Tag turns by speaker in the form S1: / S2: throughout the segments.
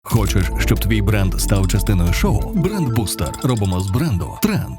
S1: Хочеш, щоб твій бренд став частиною шоу? Бренд-бустер. Робимо з бренду тренд.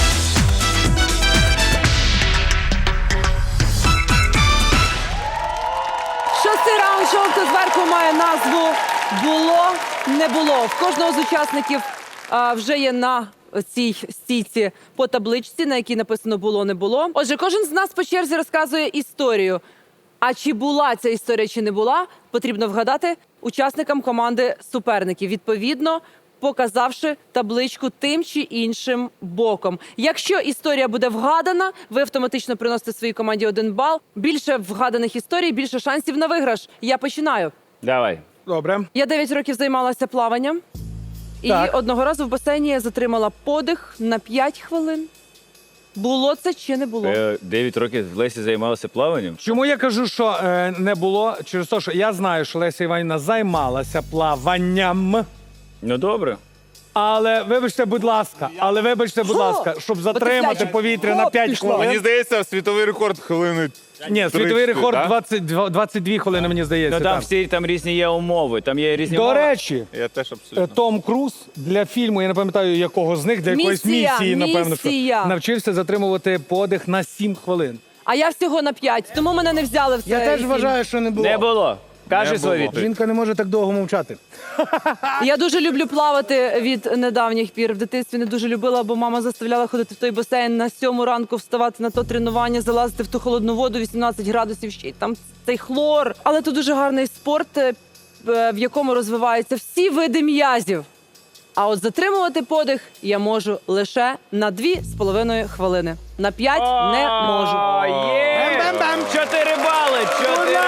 S2: Шостий раунд шоу «Хто зверху» має назву «Було, не було». В кожного з учасників вже є на цій стійці по табличці, на якій написано «Було, не було». Отже, кожен з нас по черзі розказує історію. А чи була ця історія, чи не була, потрібно вгадати учасникам команди суперників, відповідно, показавши табличку тим чи іншим боком. Якщо історія буде вгадана, ви автоматично приносите своїй команді 1 бал. Більше вгаданих історій, більше шансів на виграш. Я починаю.
S3: Давай.
S4: Добре.
S2: Я 9 років займалася плаванням. І
S4: Так.
S2: одного разу в басейні я затримала подих на 5 хвилин. Було це чи не було?
S3: 9 років Лесі займалася плаванням.
S4: Чому я кажу, що не було? Через те, що я знаю, що Леся Іванівна займалася плаванням.
S3: Ну добре.
S4: Але вибачте, будь ласка, щоб затримати
S2: Потепляче.
S4: повітря на 5
S2: пішло.
S4: хвилин.
S5: Мені здається, світовий рекорд хвилини.
S4: Ні, світовий
S5: 30,
S4: рекорд
S5: да?
S4: 22 хвилини, мені здається.
S3: Ну там
S4: так.
S3: всі там різні є умови, там є різні
S4: До
S3: умови.
S4: речі,
S5: Я теж абсолютно.
S4: Том Круз для фільму, я не пам'ятаю якого з них, для якоїсь місії, напевно, що
S2: місія.
S4: навчився затримувати подих на 7 хвилин.
S2: А я всього на 5, тому мене не взяли в цей
S6: Я теж
S2: фільм.
S6: вважаю, що не було.
S3: Не було. Кажи
S5: Не
S3: свою
S5: було.
S3: відповідь.
S6: Жінка не може так довго мовчати.
S2: Я дуже люблю плавати від недавніх пір. В дитинстві не дуже любила, бо мама заставляла ходити в той басейн на 7 ранку, вставати на то тренування, залазити в ту холодну воду, 18 градусів, ще й там цей хлор. Але це дуже гарний спорт, в якому розвиваються всі види м'язів. А от затримувати подих я можу лише на 2,5 хвилини. На 5 не можу.
S3: О, є!
S6: Бем-бем-бем.
S3: 4 бали! 4.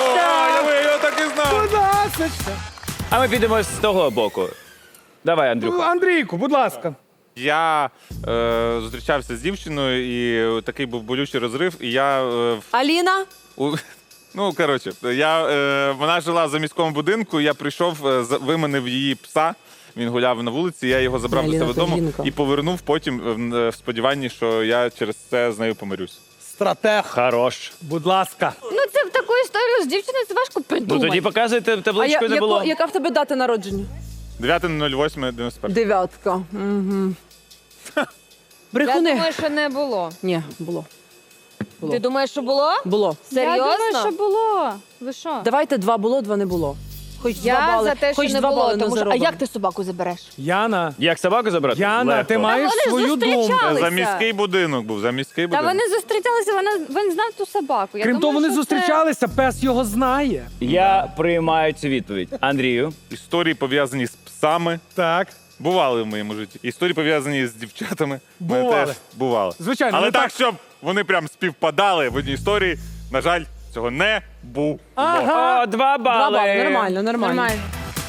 S5: Я так і знав.
S4: Будь ласка.
S3: А ми підемо з того боку. Давай, Андрюха.
S4: Андрійку, будь ласка.
S5: Я зустрічався з дівчиною, і такий був болючий розрив, і я...
S2: Аліна?
S5: Ну, коротше, вона жила в заміському будинку, я прийшов, виманив її пса, він гуляв на вулиці, я його забрав до
S2: Аліна,
S5: себе
S2: то
S5: додому
S2: жінка.
S5: і повернув потім в сподіванні, що я через це з нею помирюсь.
S6: Стратег.
S3: Хорош.
S4: Будь ласка.
S7: Ну, це в таку історію з дівчиною це важко
S3: Ну
S7: придумати.
S3: тоді показуйте табличку, не було.
S2: Яка в тебе дата народження?
S5: 9.08.91.
S2: Дев'ятка. Угу.
S7: Я
S2: Брехуни.
S7: думаю, що не було.
S2: Ні, було.
S7: Ти думаєш, що було?
S2: Було.
S7: Серйозно?
S8: Я думаю, що було. Ви що?
S2: Давайте 2 було, 2 не було. Хоч 2
S7: Я
S2: бали.
S7: за те, що
S2: Хоч
S7: не
S2: 2
S7: було.
S2: бали не
S7: Тому що... А
S2: заробимо.
S7: як ти собаку забереш?
S4: Яна,
S3: Як собаку забрати?
S4: Яна,
S3: Легко.
S4: ти маєш
S8: вони
S4: свою думку.
S8: зустрічалися.
S5: За міський будинок був, за міський
S8: Та
S5: будинок.
S8: вони зустрічалися, він знав ту собаку. Я
S4: Крім
S8: думаю,
S4: того, вони
S8: що
S4: зустрічалися, пес його знає.
S3: Я приймаю цю відповідь. Андрію.
S5: Історії пов'язані з псами.
S4: Так.
S5: Бували в моєму житті. Історії пов'язані з дівчатами. в мене
S4: Бували.
S5: теж бували.
S4: Звичайно,
S5: Але
S4: ну
S5: так,
S4: так.
S5: щоб вони прям співпадали в одній історії, на жаль, цього не було.
S3: О, 2
S2: 2
S3: бали.
S2: бали. Нормально,
S8: це
S2: нормально.
S8: нормально.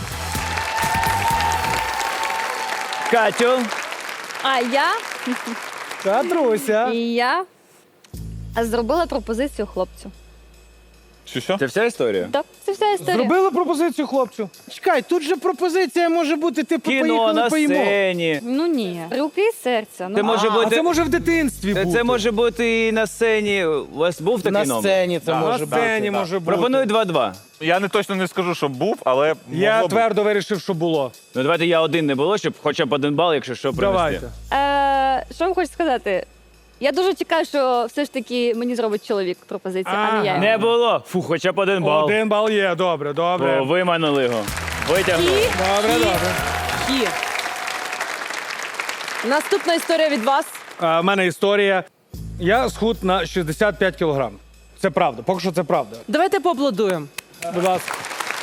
S3: Катю.
S8: А я
S4: Катруся.
S8: і я зробила пропозицію хлопцю.
S5: Що?
S3: Це вся історія?
S8: Так, це вся історія.
S4: Зробила пропозицію хлопцю.
S6: Чекай, тут же пропозиція може бути, типу,
S3: Кіно
S6: поїхали
S3: на
S6: поїмо.
S3: сцені.
S8: Ну ні, руки і серця. Ну,
S3: Це може
S4: А
S3: бути.
S4: це може в дитинстві бути.
S3: Це може бути і на сцені. У вас був такий
S6: На
S3: номер?
S6: сцені це
S4: На
S6: може
S4: сцені
S6: бути.
S4: може бути.
S3: Пропоную 2-2.
S5: Я не точно не скажу, що був, але
S4: Я
S5: могло б.
S4: твердо вирішив, що було.
S3: Ну давайте я 1 не було, щоб хоча б 1 бал, якщо що, принести.
S4: Давайте.
S8: Що вам хочу сказати? Я дуже чекаю, що все ж таки мені зробить чоловік пропозицію, а не я.
S3: Не було. Фу, хоча б 1 бал.
S4: 1 бал є, добре, добре.
S3: О, виманили його. Витягнули.
S4: Добре, добре.
S2: Кі. Наступна історія від вас.
S4: В мене історія. Я схуд на 65 кілограм. Це правда, поки що це правда.
S2: Давайте поаплодуємо.
S4: Будь ласка.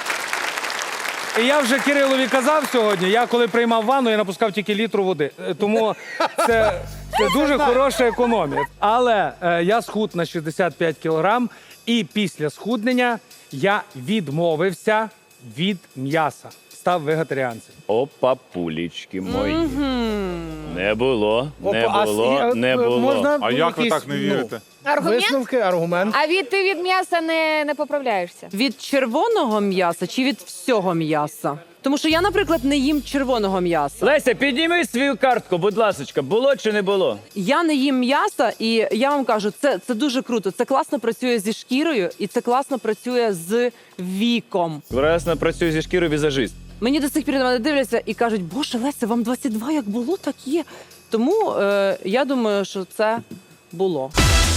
S4: І я вже Кирилові казав сьогодні, я коли приймав ванну, я напускав тільки літру води. Тому це дуже хороша економія. Але я схуд на 65 кілограм, і після схуднення я відмовився від м'яса. Став вегетаріанцем.
S3: Опа, пулічки мої. Не було, не
S6: Опа,
S3: було, не було.
S6: Можна
S5: А як ви
S6: якісь,
S5: так не вірите?
S7: Аргумент?
S6: Висновки, аргумент.
S7: А ти від м'яса не поправляєшся?
S2: Від червоного м'яса чи від всього м'яса? Тому що я, наприклад, не їм червоного м'яса.
S3: Леся, підніми свою картку, будь ласочка. Було чи не було?
S2: Я не їм м'яса, і я вам кажу, це дуже круто. Це класно працює зі шкірою, і це класно працює з віком.
S3: Прекрасно працює зі шкірою візажист.
S2: Мені до сих пір на мене дивляться і кажуть, боже, Леся, вам 22, як було, так є. Тому я думаю, що це було.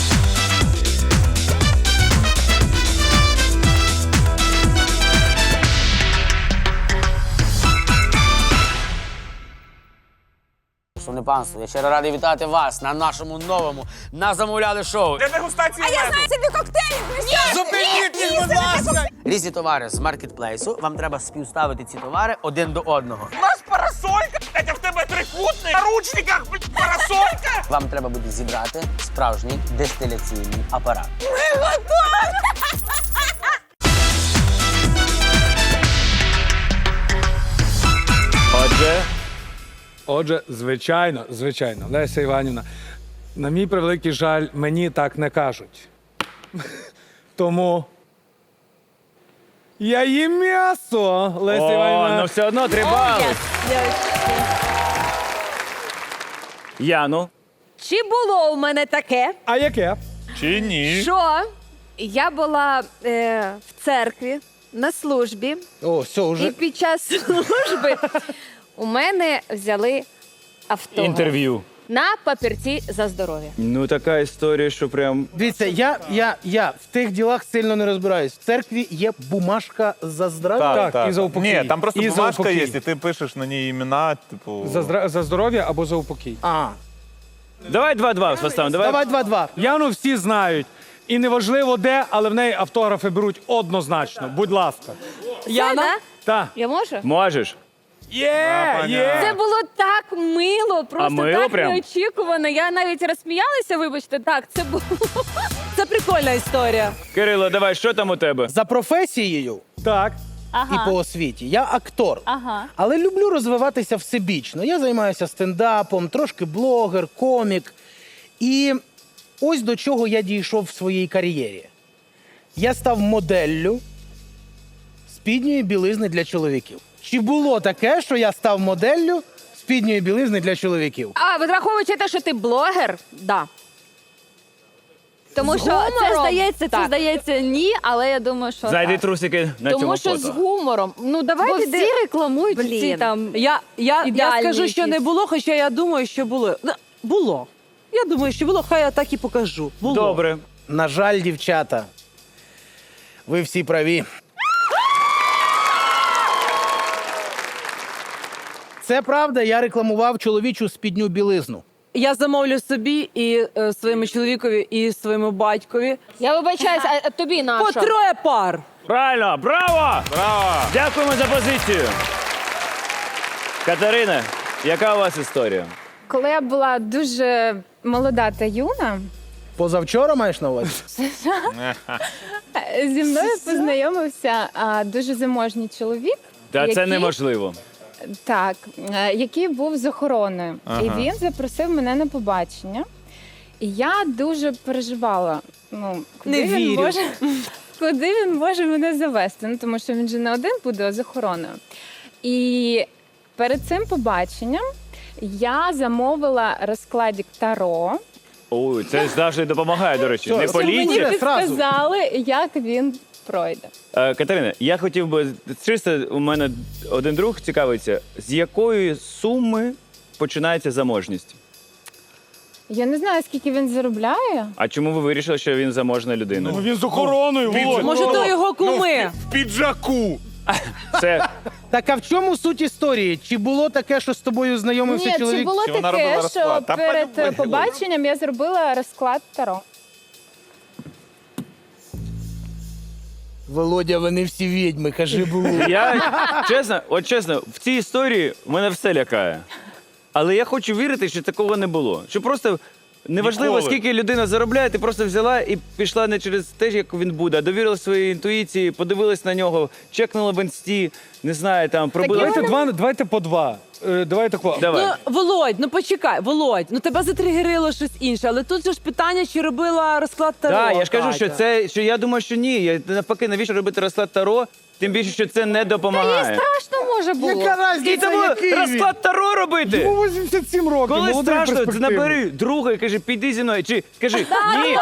S9: Шановне панство, я щиро радий вітати вас на нашому новому «На замовляли» шоу.
S5: Де дегустація меду?
S7: Тобі коктейлі!
S9: Зупиніть їх, будь ласка! Різні товари з маркетплейсу. Вам треба співставити ці товари один до одного.
S5: У нас парасолька, а в тебе трикутник, на ручниках, парасолька.
S9: Вам треба буде зібрати справжній дистиляційний апарат.
S4: Отже, звичайно, Леся Іванівна, на мій превеликий жаль, мені так не кажуть. Тому я їм м'ясо, Леся
S3: О,
S4: Іванівна.
S3: ну все одно 3 бали. Яну.
S7: Чи було у мене таке,
S4: А яке?
S5: Чи ні?
S7: що я була в церкві на службі,
S6: О, все,
S7: і
S6: вже.
S7: під час служби у мене взяли автограф
S3: Інтерв'ю.
S7: на папірці за здоров'я.
S3: Ну така історія, що прям.
S6: Дивіться, я в тих ділах сильно не розбираюсь. В церкві є бумажка за здрав'я.
S4: Так, і за упокій.
S5: Ні, там просто
S4: І за
S5: бумажка
S4: упокій.
S5: є, і ти пишеш на ній імена, типу...
S4: За здоров'я або за упокій.
S6: А,
S3: Давай 2-2 поставимо.
S6: давай 2-2.
S4: Яну всі знають. І неважливо де, але в неї автографи беруть однозначно. Будь ласка.
S2: Яна?
S7: Да?
S4: Так.
S7: Я можу?
S3: Можеш.
S7: Це було так мило, просто
S3: мило
S7: так
S3: прям?
S7: неочікувано. Я навіть розсміялася, вибачте, так, це було.
S2: Це прикольна історія.
S3: Кирило, давай, що там у тебе?
S6: За професією
S4: Так.
S6: і по освіті я актор.
S8: Ага.
S6: Але люблю розвиватися всебічно. Я займаюся стендапом, трошки блогер, комік. І ось до чого я дійшов в своїй кар'єрі. Я став моделлю спідньої білизни для чоловіків. Чи було таке, що я став моделлю спідньої білизни для чоловіків?
S7: А, враховуючи те, що ти блогер, да.
S8: Тому
S7: З
S8: що це
S7: гумором?
S8: здається ні, але я думаю, що
S3: Зайди
S8: так.
S3: трусики на
S7: Тому
S3: цьому
S7: що з
S3: фото.
S7: гумором. Ну,
S8: Бо
S7: давайте
S8: всі рекламують ці
S7: Блін.
S8: там.
S2: Я
S8: Ідеальні
S2: скажу, що
S8: якісь.
S2: не було, хоча я думаю, що було. Ну, було. Я думаю, що було, хай я так і покажу. Було.
S3: Добре.
S6: На жаль, дівчата, ви всі праві. Це правда, я рекламував чоловічу спідню білизну.
S2: Я замовлю собі і своєму чоловікові, і своєму батькові.
S7: Я вибачаюся, а тобі на
S2: По
S7: що?
S2: 3 пар.
S3: Правильно, браво!
S5: Браво!
S3: Дякуємо за позицію. Катерина, яка у вас історія?
S10: Коли я була дуже молода та юна,
S6: Позавчора маєш на увазі?
S10: зі мною познайомився дуже заможній чоловік.
S3: Та це
S10: який-
S3: неможливо.
S10: Так, який був з охороною. І він запросив мене на побачення. І я дуже переживала. Ну,
S2: Не вірю.
S10: Куди він може мене завести? Ну, тому що він же не один буде, а з охороною. І перед цим побаченням я замовила розкладик Таро.
S3: Ой, це завжди допомагає, до речі. Не
S6: Що,
S10: Мені
S3: поліція.
S10: підказали, як він пройде.
S3: Катерина, я хотів би, чисто у мене один друг цікавиться, з якої суми починається заможність?
S10: Я не знаю, скільки він заробляє.
S3: А чому ви вирішили, що він заможна людина?
S4: Він з охороною, Володь.
S2: Може, то його куми.
S5: В піджаку!
S3: Це
S6: Так а в чому суть історії? Чи було таке, що з тобою знайомився
S10: Ні,
S6: чоловік?
S10: чи було
S5: Чи вона робила
S10: таке,
S5: розклад?
S10: що
S5: Та
S10: перед
S5: полюбила.
S10: побаченням я зробила розклад Таро.
S6: Володя, вони всі відьми, кажи було.
S3: я чесно, в цій історії мене все лякає. Але я хочу вірити, що такого не було. Що просто неважливо,
S5: Ніколи.
S3: скільки людина заробляє, ти просто взяла і пішла не через те, як він буде, а довірила своїй інтуїції, подивилась на нього, чекнула в інсті, не знаю, там, пробила.
S4: Давайте по 2. Давайте по.
S3: Давай.
S2: Ну, Володь, ну почекай, Володь, ну тебе затригерило щось інше, але тут же ж питання, чи робила розклад Таро.
S3: Так, я ж кажу,
S2: Катя.
S3: що я думаю, що ні. Я навпаки, навіщо робити розклад Таро? Тим більше, що це не допомагає.
S10: Страшно може було.
S6: Яка
S3: І
S6: різниця,
S3: тому
S6: який він?
S3: розклад Таро робити.
S4: Йому 87 років,
S3: Коли
S4: молодий,
S3: страшно,
S4: перспективний.
S3: набери друга і кажи, піди зі мною. Чи скажи, ні.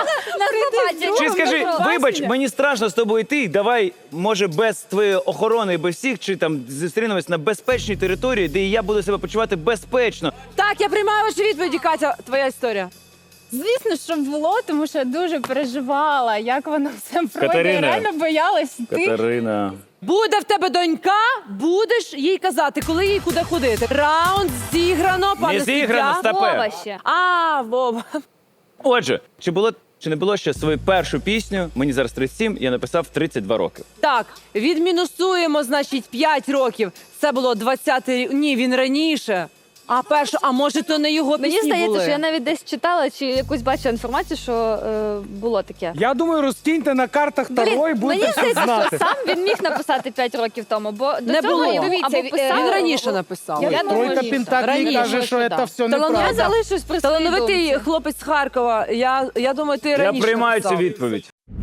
S3: Чи скажи, вибач, мені страшно з тобою йти, давай, може, без твоєї охорони і без всіх, чи там зустрінемось на безпечній території, де і я буду себе почувати безпечно.
S2: Так, я приймаю ваші відповіді, Катя. Твоя історія.
S10: Звісно, що було, тому що я дуже переживала, як воно все пройде.
S3: Катерина.
S10: Я реально боялась йти.
S3: Катерина.
S2: Буде в тебе донька, будеш їй казати, коли їй куди ходити. Раунд зіграно, пане
S3: Не зіграно,
S2: суддя.
S3: стопе.
S8: Вова ще.
S2: А, Вова.
S3: Отже, чи не було ще свою першу пісню, мені зараз 37, я написав в 32 роки.
S2: Так, відмінусуємо, значить, 5 років. Це було 20-й рік. Ні, він раніше. А може, то не його пісні
S8: Мені здається,
S2: були?
S8: що я навіть десь читала чи якусь бачила інформацію, що було таке.
S4: Я думаю, розкиньте на картах Таро і
S8: Блін,
S4: будете
S8: мені
S4: все
S8: здається,
S4: знати.
S8: що сам він міг написати 5 років тому, бо до
S2: Не
S8: цього
S2: було.
S8: йому
S7: Дивіться,
S8: або писав,
S2: Він
S8: або-
S2: раніше написав.
S8: Я думаю,
S6: Тройка
S8: ні.
S6: Пентаклей
S2: Раніше,
S6: каже, що
S8: да.
S6: це все
S8: Я
S6: неправда.
S8: залишусь при своїй
S2: Талановитий
S8: думці.
S2: хлопець з Харкова. Я думаю, ти
S3: Я
S2: раніше
S3: приймаю цю
S2: написав.
S3: відповідь.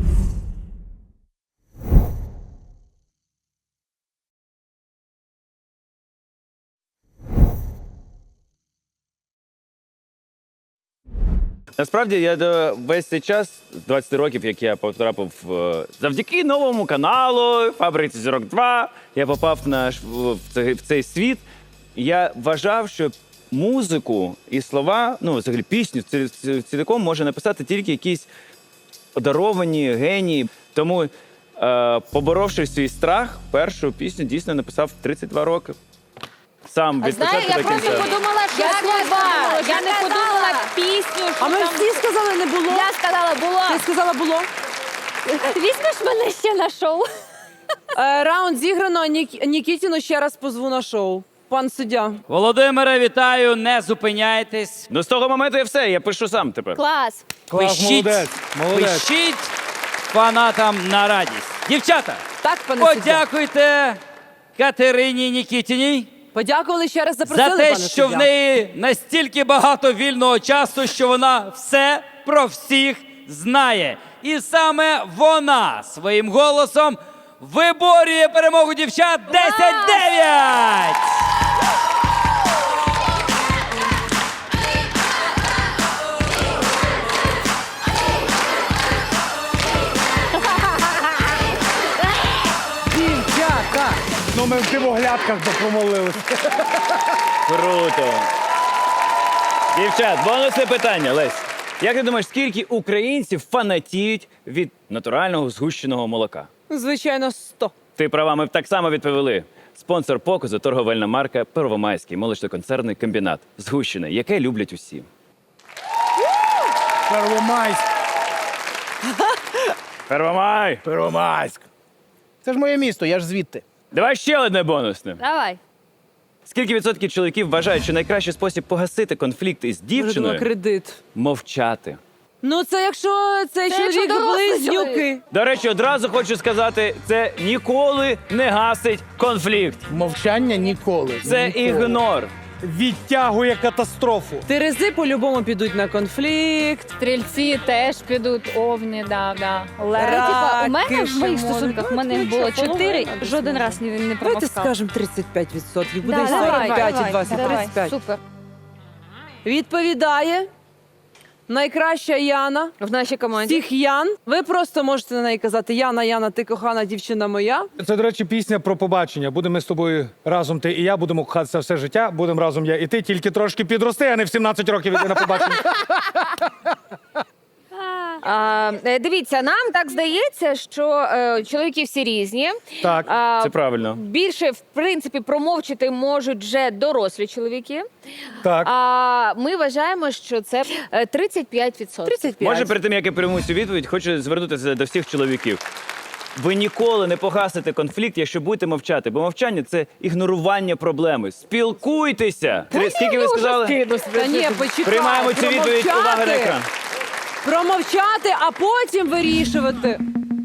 S3: Насправді я весь цей час, 20 років, як я потрапив завдяки новому каналу Фабриці Зірок 2, я попав в цей світ. Я вважав, що музику і слова, ну, взагалі пісню цілком може написати тільки якісь одаровані генії. Тому, поборовши свій страх, першу пісню дійсно написав в 32 роки. Сам від початку до кінця.
S8: подумала, що я не подумала пісню, що
S2: А ми
S8: там...
S2: всі сказали, не було.
S8: Я сказала, було.
S2: Ти сказала, було.
S8: Візьмеш мене ще на шоу?
S2: Раунд зіграно. Нікітіну ще раз позву на шоу. Пан суддя.
S11: Володимире, вітаю, не зупиняйтесь.
S3: Ну, з того моменту я все, я пишу сам тепер.
S8: Клас.
S4: Клас, молодець, молодець.
S11: Пишіть фанатам на радість. Дівчата,
S2: Так, пане суддя.
S11: подякуйте Катерині Нікітіній
S2: Подякували ще раз, запросили,
S11: за те,
S2: пане
S11: що
S2: суддя.
S11: в неї настільки багато вільного часу, що вона все про всіх знає. І саме вона своїм голосом виборює перемогу дівчат 10-9!
S2: Дівчата.
S4: Ну, ми в дивоглядках допомолилися.
S3: Круто. Дівчат, бонусне питання, Лесь. Як ти думаєш, скільки українців фанатіють від натурального згущеного молока?
S2: Звичайно, 100.
S3: Ти права, ми б так само відповіли. Спонсор показу – торговельна марка «Первомайський молочно-концерний комбінат». Згущене, яке люблять усі.
S6: Первомайськ.
S3: Первомай!
S6: Первомайськ. Це ж моє місто, я ж звідти.
S3: Давай ще одне бонусне.
S8: Давай.
S3: Скільки відсотків чоловіків вважають, що найкращий спосіб погасити конфлікт із
S2: Вже думала,
S3: дівчиною
S2: кредит.
S3: – мовчати?
S2: Ну, це якщо цей
S8: Це якщо
S2: чоловік
S8: дорослий
S2: близнюки.
S8: чоловік.
S3: До речі, одразу хочу сказати, це ніколи не гасить конфлікт.
S6: Мовчання ніколи.
S3: Це
S6: Ніколи.
S3: ігнор.
S4: Відтягує катастрофу.
S2: Терези по-любому підуть на конфлікт.
S10: Стрільці теж підуть, овні, да.
S8: У мене в моїх
S2: Шимон.
S8: стосунках в мене було 4, жоден раз не
S2: Давайте
S8: промовкав.
S2: скажемо 35%. Буде
S8: Да,
S2: і
S8: давай,
S2: 45, і
S8: давай,
S2: 20,
S8: давай.
S2: 35.
S8: Супер.
S2: Відповідає найкраща Яна.
S8: В нашій команді.
S2: Всіх Ян. Ви просто можете на неї казати Яна, Яна, ти кохана дівчина моя.
S4: Це, до речі, пісня про побачення. Будемо ми з тобою разом, ти і я, будемо кохатися все життя, будемо разом я і ти, тільки трошки підрости, а не в 17 років іти на побачення.
S7: Дивіться, нам так здається, що чоловіки всі різні.
S4: Так,
S3: Це правильно.
S7: Більше, в принципі, промовчити можуть вже дорослі чоловіки.
S4: так.
S7: А ми вважаємо, що це 35%.
S2: 35.
S3: Може, перед тим, як я прийму цю відповідь, хочу звернутися до всіх чоловіків. Ви ніколи не погасите конфлікт, якщо будете мовчати, бо мовчання – це ігнорування проблеми. Спілкуйтеся! Скільки ви сказали?
S2: Та ні, почекай.
S3: Приймаємо цю відповідь. Увага на екран.
S2: Промовчати, а потім вирішувати.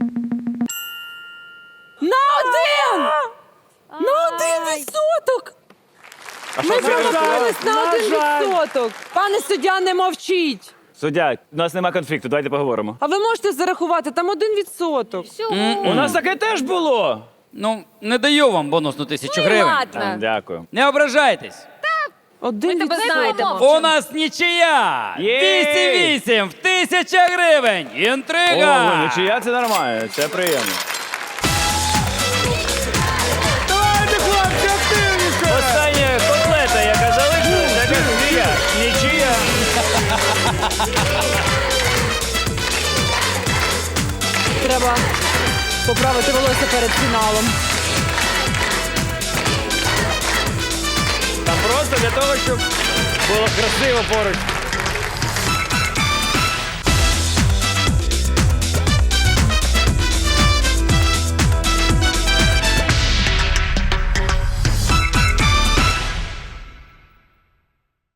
S2: На один! На 1%!
S3: А
S2: Ми
S3: що це?
S2: промахнулись на 1%. Пане суддя, не мовчіть.
S3: Суддя, у нас нема конфлікту, давайте поговоримо.
S2: А ви можете зарахувати, там 1%.
S3: У нас таке теж було.
S11: Ну, не даю вам бонусну 1000 гривень.
S3: А, дякую.
S11: Не ображайтесь.
S2: 1%.
S11: У нас нічия!
S3: Єй!
S11: 208 в 1000 гривень! Інтрига!
S3: Ого, нічия, це нормально, це приємно.
S4: Давайте
S2: Треба поправити волосся перед фіналом.
S3: Там просто для того, щоб було красиво поруч.